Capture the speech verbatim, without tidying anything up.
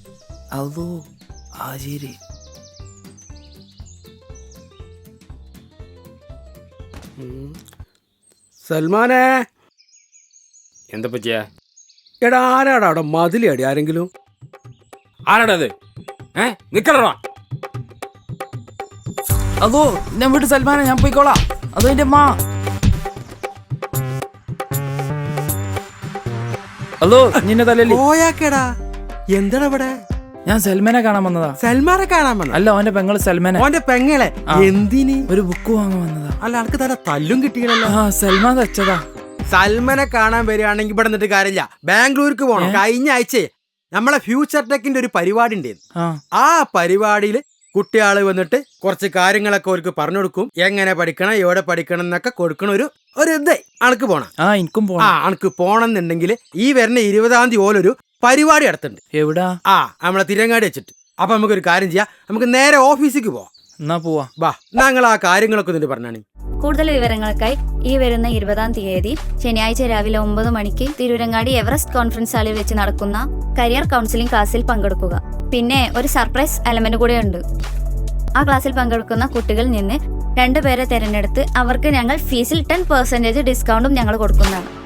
അതോ ആചേരി സൽമാനെ, എന്താ പറ്റിയ? എടാ ആരാടാ അവിടെ മതിലടി? ആരെങ്കിലും? ആരാടാ അത്? ഏ നിക്കടാ. അതോ ഞാൻ വീട്ട് സൽമാനെ, ഞാൻ പോയിക്കോളാം. അതോ എന്റെ അമ്മ. അതോ നിന്നെ തലല്ലേ പോയാക്കേടാ. എന്താടാ ഇവിടെ? ഞാൻ സൽമാനെ കാണാൻ വന്നതാ. സൽമാനെ കാണാൻ വന്ന? അല്ല, അവന്റെ പെങ്ങള് സൽമാനെ. അവന്റെ പെങ്ങളെ എന്തിന്? ഒരു ബുക്ക് വാങ്ങാൻ വന്നതാ. അല്ല, ആൾക്ക് തല തല്ലും കിട്ടിയല്ലോ. ആ സൽമാൻ തച്ചതാ. സൽമാനെ കാണാൻ വരികയാണെങ്കിൽ ഇവിടെ നിന്നിട്ട് കാര്യമില്ല, ബാംഗ്ലൂർക്ക് പോകണം. കഴിഞ്ഞ ആഴ്ച നമ്മളെ ഫ്യൂച്ചർ ടെക്കിന്റെ ഒരു പരിപാടി ഉണ്ടായിരുന്നു. ആ പരിപാടിയിൽ കുട്ടിയാള് വന്നിട്ട് കുറച്ച് കാര്യങ്ങളൊക്കെ അവർക്ക് പറഞ്ഞു കൊടുക്കും. എങ്ങനെ പഠിക്കണം, എവിടെ പഠിക്കണം എന്നൊക്കെ കൊടുക്കണ ഒരു ഒരു ഇതേ അണക്ക് പോണം. ആ എനിക്കും പോണം. ആ അണക്ക് പോണം എന്നുണ്ടെങ്കിൽ ഈ വരുന്ന ഇരുപതാം തീയതി ഓലൊരു പരിപാടി നടത്തുന്നുണ്ട്. എവിടാ? ആ നമ്മളെ തിരങ്ങാടി വെച്ചിട്ട്. അപ്പൊ നമുക്കൊരു കാര്യം ചെയ്യാം, നമുക്ക് നേരെ ഓഫീസിലേക്ക് പോവാം. എന്നാ പോവാ. വാ, ഞങ്ങൾ ആ കാര്യങ്ങളൊക്കെ എന്നിട്ട് പറഞ്ഞാണ്. കൂടുതൽ വിവരങ്ങൾക്കായി ഈ വരുന്ന ഇരുപതാം തീയതി ശനിയാഴ്ച രാവിലെ ഒമ്പത് മണിക്ക് തിരൂരങ്ങാടി എവറസ്റ്റ് കോൺഫറൻസ് ഹാളിൽ വെച്ച് നടക്കുന്ന കരിയർ കൗൺസിലിംഗ് ക്ലാസ്സിൽ പങ്കെടുക്കുക. പിന്നെ ഒരു സർപ്രൈസ് എലമെന്റ് കൂടെ ഉണ്ട്. ആ ക്ലാസ്സിൽ പങ്കെടുക്കുന്ന കുട്ടികളിൽ നിന്ന് രണ്ടുപേരെ തിരഞ്ഞെടുത്ത് അവർക്ക് ഞങ്ങൾ ഫീസിൽ ടെൻ പെർസെന്റേജ് ഡിസ്കൗണ്ടും ഞങ്ങൾ കൊടുക്കുന്നതാണ്.